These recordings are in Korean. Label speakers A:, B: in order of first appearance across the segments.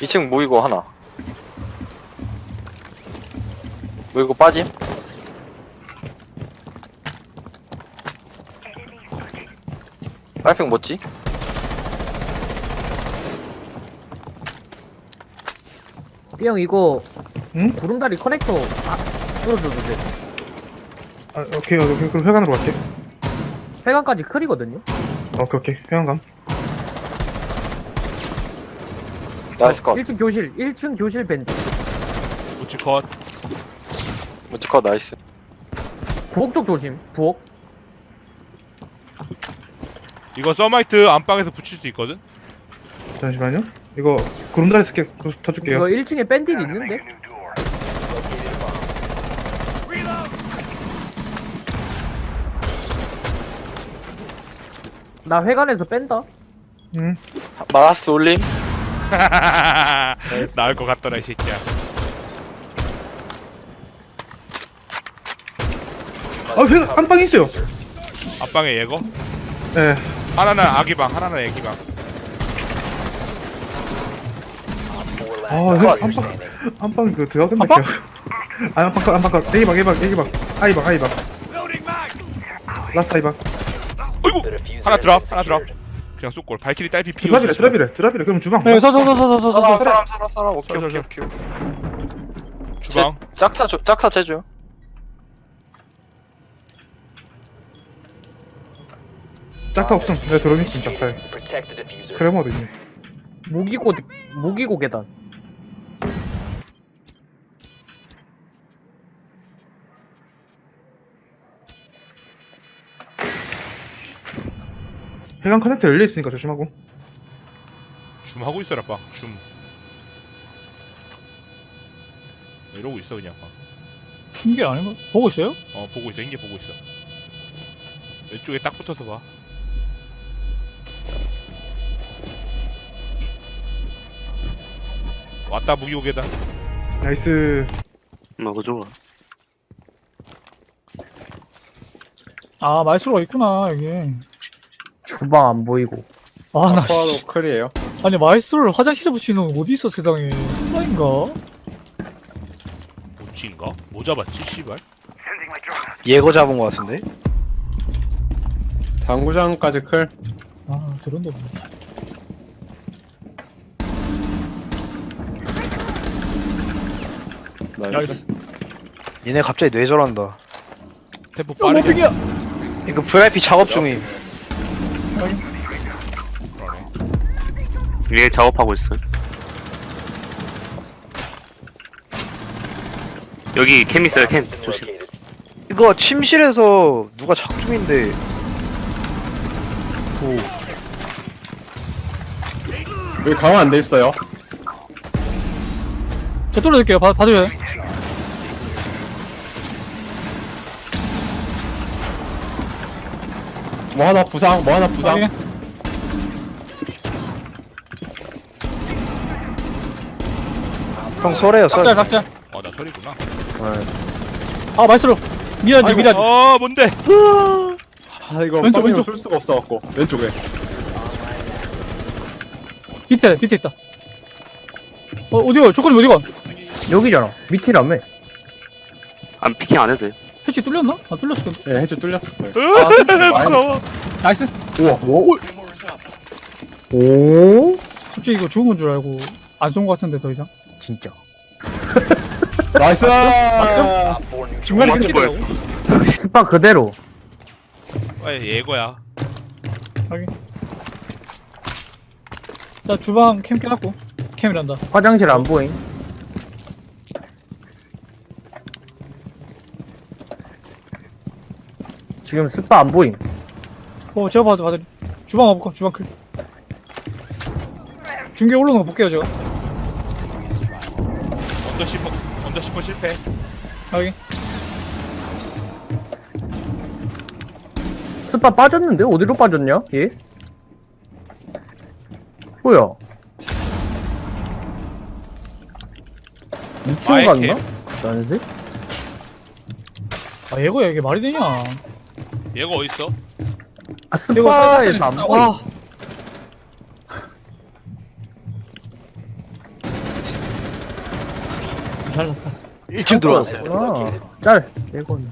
A: 2층 모이고 하나. 모이고 빠짐. 빨팽 뭐지?
B: B형 이거
C: 응?
B: 구름다리 커넥터 뚫어줘도 돼.
C: 아, 오케이. 그럼 회관으로 갈게.
B: 회관까지 클이거든요.
C: 오케이. 회관감.
A: 나이스 컷.
B: 1층 교실 벤치.
D: 우측 컷.
A: 무지 컷 나이스.
B: 부엌 쪽 조심. 부엌.
D: 이거 서마이트 안방에서 붙일 수 있거든?
C: 잠시만요. 이거 구름다리 쓸게. 터줄게요.
B: 이거 1층에 밴딜 있는데? 나 회관에서 뺀다.
C: 응.
A: 마라스 올림.
D: 나을 것 같더라 이 새끼야.
C: 회관 안방 있어요.
D: 안방에 예거?
C: 예.
D: 하나는 아기방, 하나는 애기방.
C: 안방 그 들어가겠네. 안방 컷. A방. A방. 라스트 A방.
D: 어이구! 하나 드랍. 그냥 쏙골. 발키리 딸피 피우.
C: 드랍이래. 그럼 주방.
B: 네,
A: 사람. 오케이.
D: 주방.
A: 짝사 제죠.
C: 짝타 없음. 내가 들어오겠음 짝타에. 크레머도 있네.
B: 모기고 계단.
C: 회관 커넥터 열려 있으니까 조심하고.
D: 줌 하고 있어라 빵. 줌. 이러고 있어 그냥 빵.
E: 핑계 아닌가? 보고 있어요?
D: 보고 있어. 인게 보고 있어. 왼쪽에 딱 붙어서 봐. 왔다 무기오게다.
C: 나이스.
F: 너무 좋아.
E: 아, 말수가 있구나, 여기.
B: 주방 안 보이고.
E: 아, 나,
G: 아쿠아도 클이에요.
E: 아니, 마이스를 화장실에 붙이는 건 어디 있어, 세상에. 혼자인가?
D: 뭐지인가? 뭐 잡았지 씨발?
A: 예거 잡은 거 같은데?
G: 당구장까지 클.
E: 아, 저런데 뭐.
G: 나이스.
A: 얘네 갑자기 뇌절한다.
D: 템포
E: 뭐
D: 빠르게.
E: 핑계야!
A: 이거 VIP 작업 중임.
F: 위에 작업하고 있어. 여기 캠 있어요, 캠. 조심.
A: 이거 침실에서 누가 작업 중인데.
G: 여기 강화 안 돼 있어요.
E: 저 뚫어줄게요, 봐줘요.
G: 뭐 하나 부상.
E: 확인.
A: 형 설해요 설.
E: 각자.
D: 나 소리구나.
E: 아, 마이스로. 미라지.
D: 뭔데?
G: 아 이거
E: 왼쪽,
G: 왼쪽
E: 왼쪽.
G: 쓸 수가 없어갖고 왼쪽에.
E: 밑에 있다. 어디가? 조건이 어디가?
B: 여기잖아. 밑이라며.
F: 안 피킹 안 해도 돼.
E: 패치 뚫렸나? 아, 뚫렸어.
G: 예, 해주 뚫렸을 거예요.
D: 무서워.
E: 나이스.
G: 우와.
B: 오?
E: 솔직히 이거 죽은 건 줄 알고 안 쏜 거 같은데, 더 이상.
B: 진짜.
G: 나이스.
E: 중간에
F: 맞을
E: 패치더라고.
F: 뻔했어.
B: 스파 그대로.
D: 예거야.
E: 확인. 자, 주방 캠 켜놨고. 캠이란다.
B: 화장실 안 보임. 지금 스파 안 보임.
E: 제가 봐도 주방 와볼까? 주방 클. 중계 올라오는 거 볼게요, 제가.
D: 언더 10번 실패.
E: 확인.
B: 스파 빠졌는데? 어디로 빠졌냐? 얘? 뭐야? 2층
D: 아예
B: 갔나? 난색?
E: 아, 얘거야, 이게 말이 되냐?
D: 얘가 어딨어?
B: 아, 스파에서 안 보임.
E: 와, 잘났다.
A: 1층 들어왔어.
B: 짤. 1번.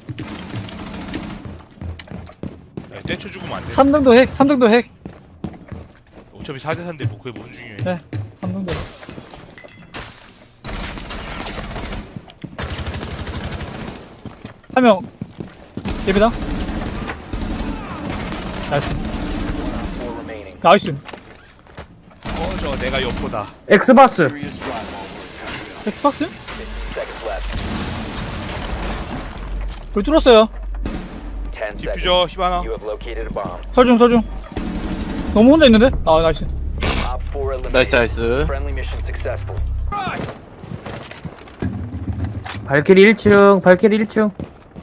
D: 야, 떼쳐 죽으면 안 돼.
E: 3등도 핵, 3등도 핵.
D: 어차피 4대4인데 뭐 그게 뭔 중요해.
E: 네. 3등도 핵. 한 명. 예비다. 나이스. 나이스.
D: 꺼져, 내가 여포다.
B: 엑스바스.
E: 엑스박스? 불 뚫었어요.
D: 디퓨저, 히바나.
E: 설중, 설중. 너무 혼자 있는데? 아, 나이스.
A: 나이스 나이스.
B: 발키리 1층. 발키리 1층.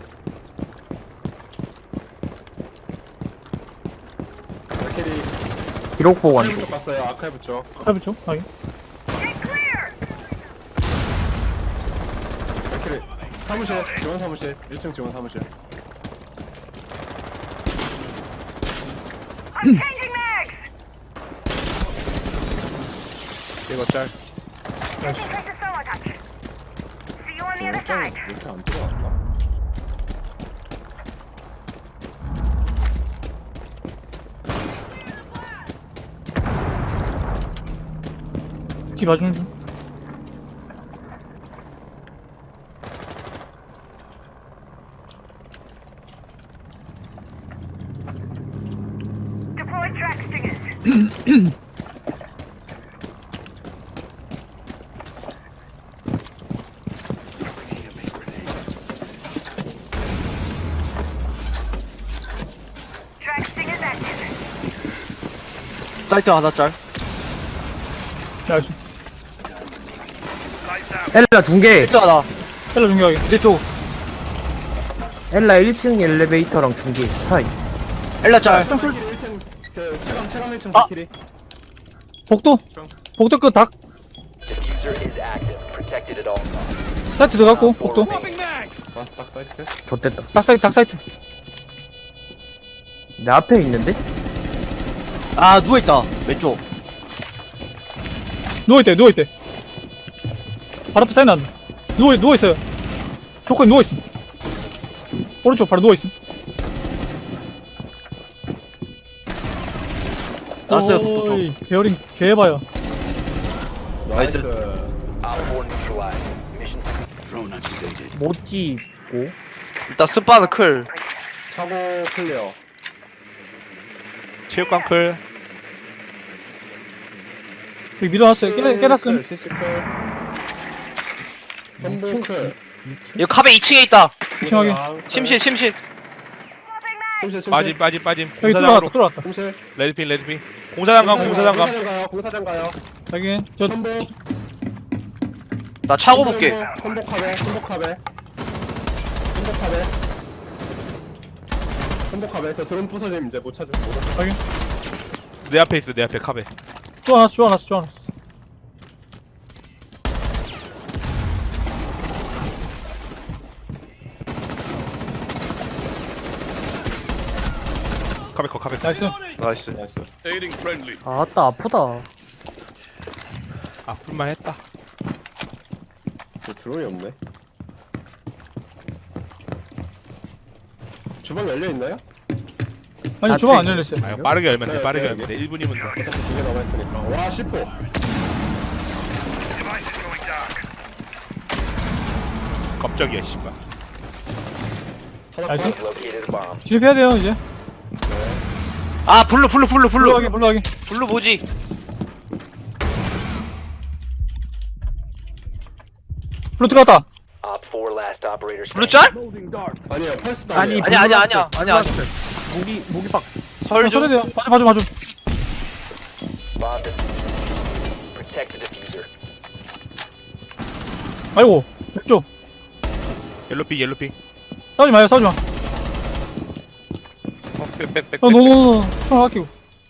G: 발키리
B: 기록 보관.
G: 아카이브 쪽 갔어요. 아카이브 쪽.
E: 해보죠. 확인.
G: 발키리 사무실 지원 사무실 1층 지원 사무실.
D: 이거 짤.
G: 옥장 이렇게 안 들어갔나?
E: 뒤 봐주는 중.
A: 사이트 하나 짤.
E: 나이스.
B: 엘라 중계.
A: 1층 하나.
E: 텔러 중요하게.
A: 이제 쪽.
B: 엘라 1층 엘리베이터랑 중계. 사이.
A: 엘라 짤.
G: 발키리 1층 그 체감 1층
A: 아!
G: 발키리.
E: 복도. 복도 끝 닭. 사이트 들어갔고, 복도.
G: 마스터 사이트.
B: 좆됐다.
E: 닭 사이트, 닭 사이트.
B: 내 앞에 있는데?
A: 아 누워있다. 왼쪽.
E: 누워있대, 누워있대. 바로 앞에 사이트 난다. 누워있어요. 조건이 누워있음. 오른쪽 바로 누워있음.
A: 나왔어요. 복도
E: 오이, 베어링 개봐요.
G: 나이스.
B: 못 찍고.
A: 일단 스파는 클.
G: 차고 클리어.
D: 체육관 클.
E: 여기 밀어놨어요. 깨놨음.
G: CC 클. 햄블 클.
A: 이거 카베 2층에 있다.
E: 이층하게.
A: 침실 침실.
G: 침실 침실.
D: 빠짐.
E: 여기
D: 공사장으로.
E: 뚫어놨다.
G: 침실.
D: 레드핀. 공사장 감.
G: 공사장 가요. 공사장 가요.
E: 여기, 저,
G: 험복.
A: 나 차고 볼게.
G: 험복하베. 험복하베. 저 드론 부서짐 이제 못 찾을.
D: 내 앞에 있어, 내 앞에 카베.
E: 쪼아놨어.
D: 카베 컷, 카베 컷.
E: 나이스.
A: 나이스.
G: 나이스.
B: 아따 아프다.
D: 아플만 했다.
G: 저 드론이 없네. 주방 열려 있나요?
E: 아니,
B: 아,
E: 주방 안
B: 저기-
E: 열렸어요.
D: 아, 빠르게 열면 돼,
G: 네,
D: 빠르게
G: 네,
D: 열면 돼. 1분이면 돼.
G: 어차피 2개 남아있으니까. 와 10호.
D: 갑자기야, 씨발.
G: 하나
E: 나이스.
G: 컷.
E: 진입해야 돼요, 이제.
A: 아 블루.
E: 물러가게.
A: 블루 뭐지?
E: 불로 들어갔다.
A: 블루 짤?
G: 아니요 펄스
B: 아니
A: 아니야.
B: 무기 박스.
A: 설
E: 쳐야
A: 좀.
E: 돼요. 봐줘. 아이고, 왼쪽.
D: 옐로피.
E: 싸우지 마요.
D: 빽.
E: 노. 총 아끼고.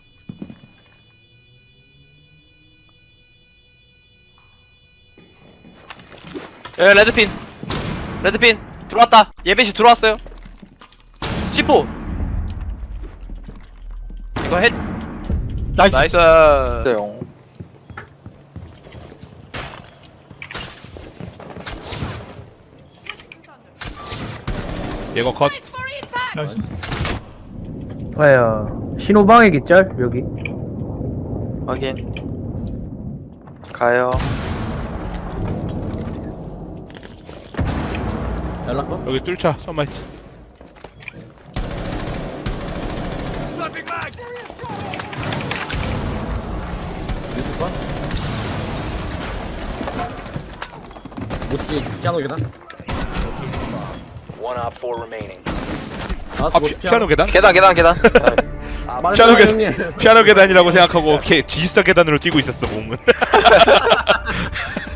A: 예 레드핀 들어왔다. 예배시 들어왔어요. C4 이거 헷.
E: 나이스.
A: 나이스.
D: 제거 컷.
E: 나이스.
B: 아야 신호방해기 짤 여기.
A: 확인. 가요.
G: 연락
D: 여기 뚫자. 썸마이트.
G: 못지 피아노 계단
D: 피아노 계단?
A: 계단.
D: 피아노 계단. 피아노 계단이라고 생각하고 지휘사 계단으로 뛰고 있었어 몸은.